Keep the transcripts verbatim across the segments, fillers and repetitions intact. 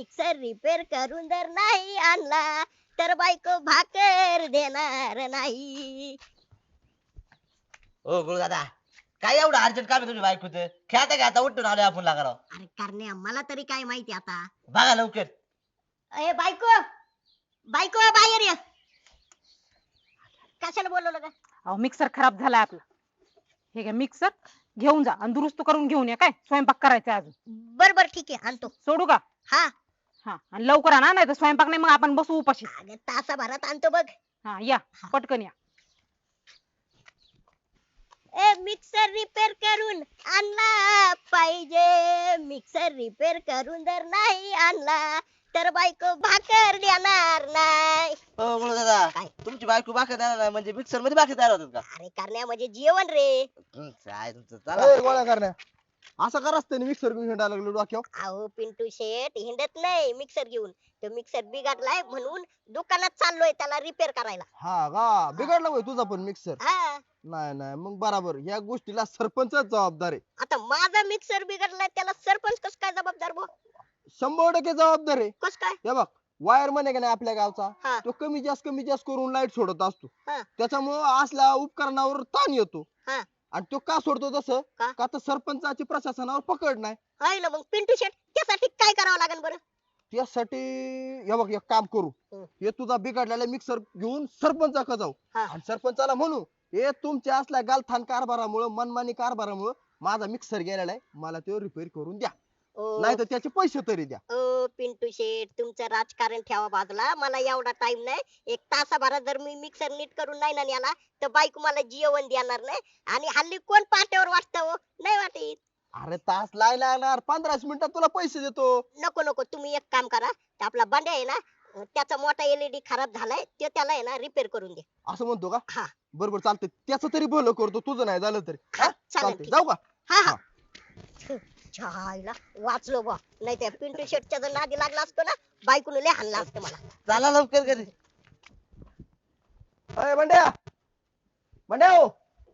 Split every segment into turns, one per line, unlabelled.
Mixer repair करून जर नाही आणला तर बायको भाकर देणार नाही.
ओ गुरुदादा काय एवढं अर्जंट काम आहे तुझ्या बायकोचं? खेळता खेळता उठून आलोय आपण लागाराव.
अरे करण्या मला तरी काय माहिती आता.
बघा लवकर.
अरे बायको बायको बाहेर ये. कशाला बोलवलं का?
अहो मिक्सर खराब झालाय आपला. हे घ्या मिक्सर घेऊन जा आणि दुरुस्त करून घेऊन या. काय स्वयंपाक करायचा अजून?
बर बर ठीक आहे आणतो.
सोडू का?
हा
हा आणि लवकर आणा नाही तर स्वयंपाक नाही मग आपण बसू उपाशी.
अगं तासाभरात आणतो बघ.
हा या पटकन या.
ए मिक्सर रिपेअर करून आणला पाहिजे. मिक्सर रिपेअर करून जर नाही आणला तर बायको भाकर देणार नाही.
ओ गुरुदादा
काय?
तुमची बायको भाकर देणार नाही म्हणजे मिक्सर मध्ये भाकर तयार होतात का?
अरे करण्या म्हणजे जेवण रे.
हं, काय तुमचं चला.
ए, गोळ्या करण्या असं का रस्त्याने मिक्सर घेऊन हिंडायला लागलो डोक्यावर?
अहो पिंटू शेठ हिंडत नाही मिक्सर घेऊन. तो मिक्सर बिघडलाय म्हणून दुकानात चाललोय त्याला रिपेअर करायला.
हा का बिघडला होय तुझा पण मिक्सर?
हा
नाही नाही मग बराबर या गोष्टीला सरपंचच जबाबदार आहे.
आता माझा मिक्सर बिघडलाय त्याला सरपंच कस काय जबाबदार बो?
शंभर टक्के जबाबदार आहे.
कस काय?
हे बघ वायर म्हणे का नाही आपल्या गावचा
हा
तो कमी जास्त कमी जास्त करून लाईट सोडत असतो.
हा
त्याच्यामुळं असल्या उपकरणावर ताण येतो.
हा
आणि तो का सोडतो तसं
का?
का तर सरपंचाची प्रशासनावर पकड नाही.
आहे ना मग पिंटू शेठ त्यासाठी काय करावं लागेल बरं?
त्यासाठी हे बघ एक काम करू
हं.
हे तुझा बिघडलेला मिक्सर घेऊन सरपंचाकडे जाऊ
हा
आणि सरपंचाला म्हणू हे तुमच्या असल्या गालथान कारभारामुळे मनमानी कारभारामुळे माझा मिक्सर गेलेला आहे मला तो रिपेअर करून द्या
ओ
नाही तर त्याचे पैसे तरी द्या.
ओ पिंटू शेठ तुमचं राजकारण ठेवा बाजूला. मला एवढा टाइम नाही. एक तासाभरात जर मी मिक्सर नीट करून नाही ना नेला तर बायको मला जेवण देणार नाही. आणि हल्ली कोण पाट्यावर वाटत हो? नाही वाटीत.
अरे तास लाय लागणार पंधराच मिनिटात तुला पैसे देतो.
नको नको तुम्ही एक काम करा ते आपला बंड्या आहे ना त्याचा मोठा एलईडी खराब झालाय तो त्याला आहे ना रिपेअर करून दे.
असं म्हणतो का?
हा
बरोबर चालतंय त्याचं तरी भलं करतो तुझं नाही झालं तरी.
हा,
हा?
चालेल,
चालतंय
ठीक.
जाऊ का?
हा हा छायला वाचलो बा. नाही त्या पिंटू शेटच्या जर नादी लागला असतो ना बायकोने लय हाणला असतं मला.
चला लवकर घरी.
अय बंड्या बंड्या हो.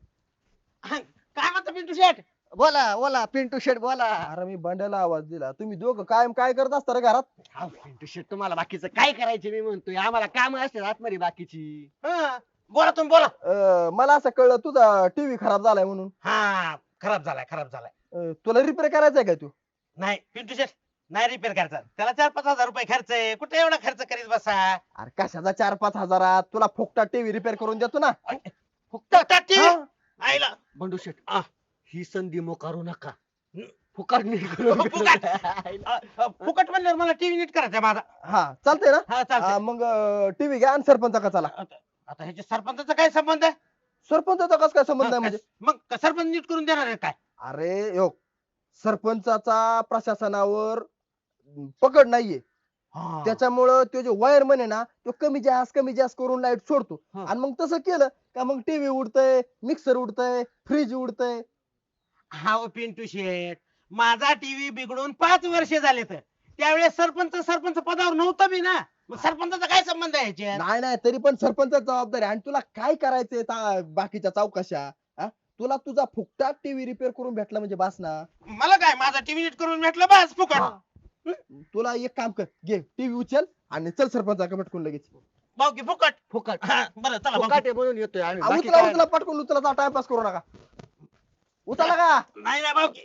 काय म्हणतो पिंटू शेठ?
बोला बोला पिंटू शेट बोला.
अरे मी बंड्याला आवाज दिला तुम्ही दोघं कायम काय करत असता रे घरात?
हा, पिंटू शेट तुम्हाला बाकीचं काय करायचे मी म्हणतोय आम्हाला काम असतात आतमध्ये बाकीची.
हं, बोला तुम्ही बोला.
अं, मला असं कळलं तुझा टीव्ही खराब झालाय म्हणून.
हा खराब झालाय खराब झालाय.
अं, तुला रिपेअर करायचा का तू?
नाही पिंटू शेठ नाही रिपेअर करायचा. त्याला चार पाच हजार रुपये खर्च आहे. कुठे एवढा खर्च करीत बसा?
अरे कशाचा चार पाच हजारात तुला फुकटा टीव्ही रिपेअर करून देतो ना.
फुकट टाकी
हा?
आईला
बंडू शेट
आ.
ही संधी मोकारू नका.
हं.
फुकट नीट करून
फुकट अ, अ, फुकट म्हणल्यावर मला टीव्ही नीट करायचा माझा.
हा चालतंय ना.
हा
हा,
चालतंय.
मग टीव्ही घ्या आणि सरपंचा चला.
आता आता ह्याच्या सरपंचाचा काय संबंध आहे?
सरपंचाचा कसं काय संबंध आहे म्हणजे?
मग का सरपंच नीट करून देणार आहे काय?
अरे यो सरपंचाचा प्रशासनावर पकड नाहीये त्याच्यामुळं तो जो वायरमन आहे ना तो कमी जास्त कमी जास्त करून लाईट सोडतो.
हा.
आणि मग तसं केलं का मग टीव्ही उडतय मिक्सर उडतय फ्रीज उडतय.
हा हो पिंटू शेठ माझा टीव्ही बिघडून पाच वर्ष झाले तर त्यावेळेस सरपंच सरपंच पदावर नव्हता मी ना. मग सरपंचाचा काय संबंध आहे ह्याच्यात?
नाही नाही तरी पण सरपंचाच जबाबदारी आणि तुला काय करायचंय ता- बाकीच्या चौकशा हा? तुला तुझा फुकटा टीव्ही रिपेअर करून भेटला म्हणजे बास ना.
मला काय माझा टीव्ही नीट करून भेटलं बस फुकट.
हा. तुला एक काम कर घे टीव्ही उचल आणि चल सरपंचाकडे पटकून लगेच.
भाऊ की फुकट.
फुकट
हा, बरं चला भाऊ.
फुकट आहे म्हणून येतोय आम्ही
आ,
बाकी
उचला
काय
उचला पटकून उचला टाइमपास करू नका. उचला का?
नाही नाही भाऊ की.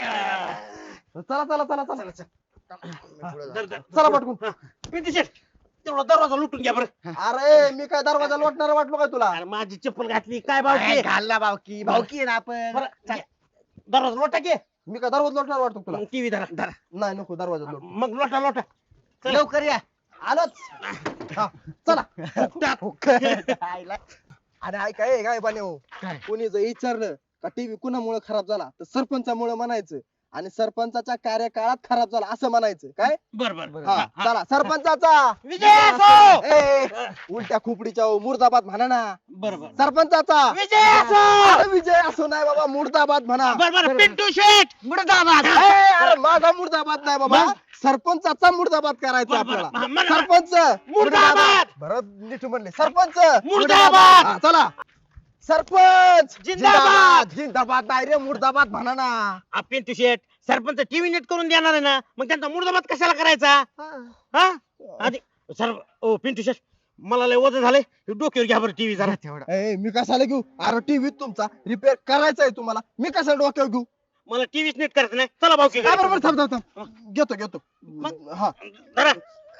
चला चला चला चला
चला, धर, धर.
चला पटकून.
हा. पिंटू शेठ तेवढा दरवाजा लुटून घ्या बरं.
अरे मी काय दरवाजा लोटणार वाटलो काय तुला?
अरे माझी चप्पल घातली काय भाऊ
काय
की?
घालला भावकी भावकी आहे ना आपण.
बरं, घे. दरवाजा लोटा घे.
मी काय दरवाजा लोटणार वाटतो तुला?
टीव्ही धरा धरा.
नाही नको दरवाजा लोट.
मग लोटा लोटा. चल.
लवकर या.
आलोच. हा, चला.
फुकटात.
आईला.
अरे ऐका ए काय पाणी हो
काय?
कोणी जर विचारलं का टीव्ही कुणामुळे खराब झाला तर सरपंचामुळे म्हणायचं आणि सरपंचाच्या कार्यकाळात खराब झाला असं म्हणायचं काय.
बर बर बर.
हा
हा, हा.
चला सरपंचाचा
विजय असो.
ए उलट्या खोपडीच्या हो, मुर्दाबाद म्हणा ना.
बर बर.
सरपंचाचा
विजय असो.
अरे विजय असो नाही बाबा मुर्दाबाद म्हणा.
बर बर पिंटू शेठ.
मुर्दाबाद.
ए, अरे माझा मुर्दाबाद नाही बाबा
मग?
सरपंचाचा मुर्दाबाद करायचा
बर, बर.
आपल्याला.
हा, म्हणा.
सरपंच
मुर्दाबाद.
बरं नीट म्हणले सरपंच
मुर्दाबाद.
हा, चला सरपंच
जिंदाबाद!
जिंदाबाद नाही रे मुर्दाबाद म्हणा ना.
आ, पिंटू शेट सरपंच टीव्ही नेट करून देणार आहे ना मग त्यांचा मुर्दाबाद कशाला करायचा हा आधी सर ओ पिंटू शेट मला लय वजन झालंय हे डोक्यावर घ्या बरं टीव्ही जरा तेवढा
ए, मी कशाला घेऊ अरे टीव्ही तुमचा रिपेअर करायचा आहे तुम्हाला मी कशाला डोक्यावर घेऊ
मला टीव्हीच नेट करायचं नाही चला भाऊ
हा, बरोबर थांब थांब थांब घेतो घेतो हा
धरा.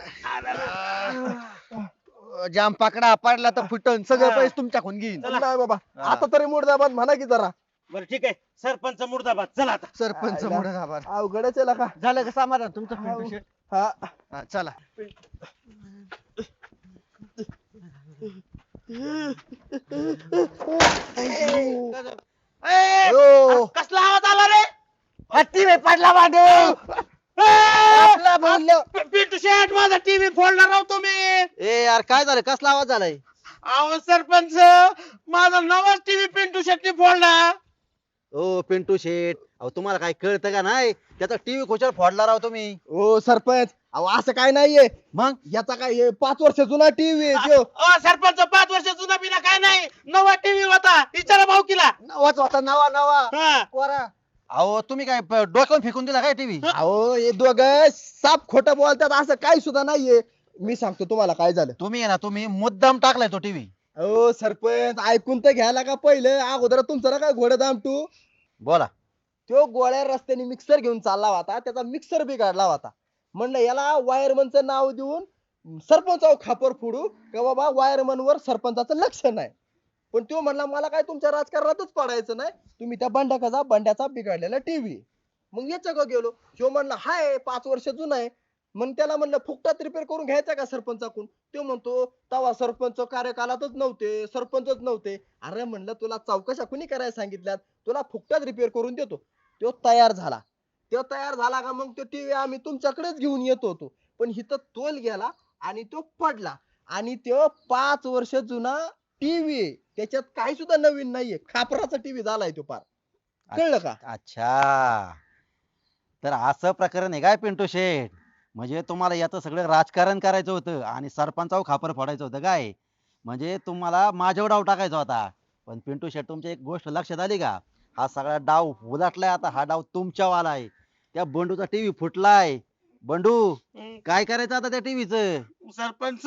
जाम पाकडा पडला तर फुटन सगळे पैसे तुमच्याकडून घेईन
चला.
नाही बाबा आता तरी मुर्दाबाद म्हणा की जरा
बरं ठीक आहे सरपंच मुर्दाबाद चला आता
सरपंच
आयला.
मुर्दाबाद
अवघडच आहे का
झालं का समाधान तुमचं पिंटू शेट?
हा
हा, चला
ए,
ओ.
कसला आवाज आला रे
हत्ती रे पडला मांडू
ए,
आपला बोललो.
पि- पिंटू शेट माझा टीव्ही फोडणार आहो तुम्ही
ए यार काय झालं कसला आवाज झालाय
अहो सरपंच माझा नवाच टीव्ही पिंटू शेट्टी फोडला
ओ पिंटू शेट अहो तुम्हाला काय कळतं का नाही त्याचा टीव्ही खुशाल फोडला राव तुम्ही
ओ सरपंच अहो असं काय नाहीये
मग
याचा काय हे पाच वर्ष जुना टीव्ही आहे त्यो.
अ, सरपंच पाच वर्ष जुना बिना काय नाही नवा टीव्ही होता विचारा भाऊकीला
नवाच होता नवा नवा
हा.
कोरा अहो तुम्ही काय प- डोक्यावर फेकून दिला काय टीव्ही
अहो हे दोघं साप खोटं बोलतात असं काही सुद्धा नाहीये मी सांगतो तुम्हाला काय झालं
तुम्ही आहे ना तुम्ही मुद्दाम टाकलाय तो टीव्ही
अहो सरपंच ऐकून तर घ्यायला का पहिलं अगोदर तुमचं ना काय घोडं दामटू
बोला
तो गोळ्या रस्त्याने मिक्सर घेऊन चालला होता त्याचा मिक्सर बिघडला होता म्हणलं याला वायरमनचं नाव देऊन सरपंचावर खापर फोडू का बाबा वायरमन वर सरपंचाचं लक्ष नाही पण तो म्हणला मला काय तुमच्या राजकारणातच पडायचं नाही तुम्ही त्या बंड्याचा बंड्याचा बिघडलेला टीव्ही मग याच्या गेलो ह्यो म्हणला हाय पाच वर्ष जुना आहे मग त्याला म्हणलं फुकटात रिपेअर करून घ्यायचा का सरपंचाकडून तो म्हणतो तवा सरपंच कार्यकालातच नव्हते सरपंचच नव्हते अरे म्हणलं तुला चौकशा कुणी करायला सांगितल्यात तुला फुकटात रिपेअर करून देतो तो तयार झाला तो तयार झाला का मग तो टीव्ही आम्ही तुमच्याकडेच घेऊन येत होतो पण हिथं तोल गेला आणि तो पडला आणि तो पाच वर्ष जुना टीव्ही त्याच्यात काही सुद्धा नवीन नाहीये खापराचा टीव्ही झालाय तो पार कळलं का
अच्छा तर असं प्रकरण आहे काय पिंटू शेठ म्हणजे तुम्हाला याचं सगळं राजकारण करायचं होतं आणि सरपंचावर खापर फोडायचं होतं काय म्हणजे तुम्हाला माझ्यावर डाव टाकायचा होता पण पिंटू शेठ तुमची एक गोष्ट लक्षात आली का हा सगळा डाव उलटलाय आता हा डाव तुमच्यावाला आहे त्या बंडूचा टीव्ही फुटलाय बंडू काय करायचं आता त्या टीव्हीचं
सरपंच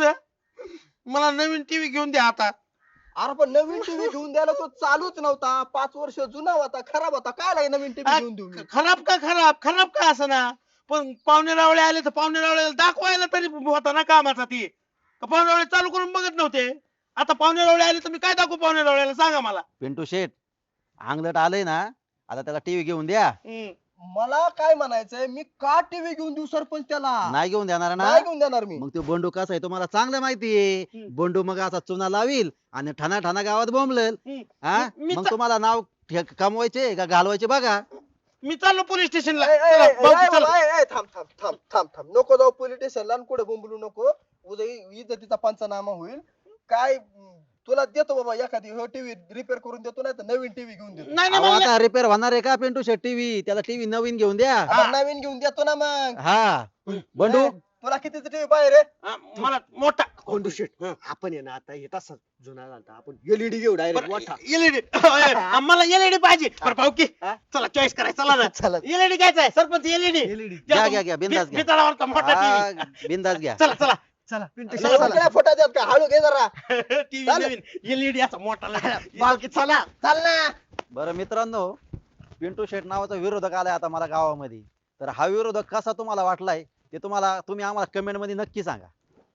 मला नवीन टीव्ही घेऊन द्या आता
अरे पण नवीन टीव्ही घेऊन द्यायला तो चालूच नव्हता पाच वर्ष जुना होता खराब होता काय लागे नवीन टीव्ही घेऊन देऊ मी?
खराब का खराब खराब का असं ना पण पाहुणे रावळे आले तर पाहुणे रावळे दाखवायला तरी होता ना कामाचा ती का पाहुणे रावळे चालू करून बघत नव्हते आता पाहुणे रावळे आले तर मी काय दाखवू पाहुणे रावळ्याला सांगा मला
पिंटू शेठ अंगलट आलंय ना आता त्याला टीव्ही घेऊन द्या
हम्म.
मला काय म्हणायचंय मी का टीव्ही घेऊन देऊ सरपंच त्याला
नाही घेऊन देणार ना
नाही घेऊन देणार मी
मग तो बंडू कसा आहे तुम्हाला चांगलं माहितीये
हम्म.
बंडू मग असा चुना लावील आणि ठाणा ठाणा गावात बोंबलेल
हम्म.
हा
मी
मग
चा-
तुम्हाला नाव ठे- कमवायचे का घालवायचे बघा
मी चाललो पोलीस स्टेशनला
ए, ए, ए,
चला,
ए,
भाऊकी
ए,
चला.
ए, ए, थांब थांब थांब थांब थांब नको जाऊ पोलीस स्टेशनला आणि कुठे बोंबलू नको उद्या इ- इज्जतीचा पंचनामा होईल काय म, तुला देतो बाबा एखादी हो टीव्ही रिपेअर करून देतो नाही तर नवीन टीव्ही घेऊन देतो
नाही नाही
अहो,
मला
आता रिपेअर होणार आहे का पिंटू शेट टीव्ही त्याला टीव्ही नवीन घेऊन द्या
आता नवीन घेऊन देतो ना मग
हा बंडू
ए, तुला कितीचा टीव्ही पाहिजे रे
हा, मला मोठा
कोंडू शेट आपण आहे ना आता हे तसा जुना झाला आपण एलईडी घेऊ डायरेक्ट मोठा
एलईडी मला एलईडी पाहिजे बरं भाऊकी
हा?
चला चॉईस करायचं चला
चला.
ना एलईडी घ्यायचा आहे सरपंच एलईडी
एलईडी
घ्या, घ्या, घ्या, बिनधास्त घ्या.
बितळावरचा मोठा टीव्ही
हा, बिंदास घ्या
चला चला
चला पिंटू
चला,
शेट
चला.
चला
फोटा देत का हळू घे जरा
टीव्ही
चालेल.
नवीन एलईडी असा मोठा लागेल.
बालकी चला
चाल ना
बरं मित्रांनो पिंटू शेट नावाचा विरोधक आलाय आता मला गावामध्ये तर हा विरोधक कसा तुम्हाला वाटलाय ते तुम्हाला तुम्ही आम्हाला कमेंट मध्ये नक्की सांगा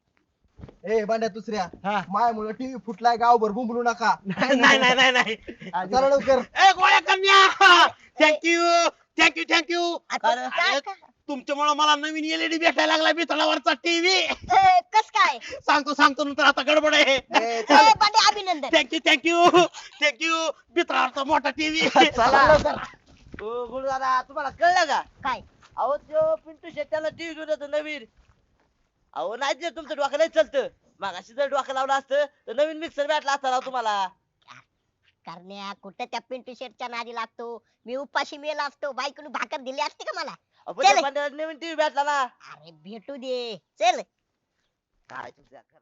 ए बांड्या दुसऱ्या
हा.
मायामुळे टीव्ही फुटलाय गावभर बोंबलू नका
नाही नाही नाही नाही
चला लवकर
ए गोळ्या कन्या थँक्यू थँक्यू थँक्यू
आता काय- काय-
तुमच्यामुळे मला नवीन एलईडी भेटायला लागला बितळावरचा टीव्ही
ए, कस काय
सांगतो सांगतो नंतर आता गडबड आहे
ए,
ए,
चल.
बंडे अभिनंदन
थँक्यू थँक्यू थँक्यू बितळावरचा मोठा टीव्ही
चला लवकर.
हो गुरु दादा तुम्हाला कळलं का
काय
अहो तो पिंटू शेट त्याला टीव्ही घेऊन येतो नवीन अहो नाही जे तुमचं डोकं नाही चालतं मागाशी जर डोकं लावलं असतं तर नवीन मिक्सर भेटला असता राव तुम्हाला
करण्या कुठं त्या पिंटू शेटच्या नादी लागतो मी उपाशी मेला असतो बायकोने भाकर दिली असते का मला
अहो, पण त्या
चल.
बंड्याला नवीन टीव्ही भेटला ना
अरे भेटू दे चल
काय तुमच्या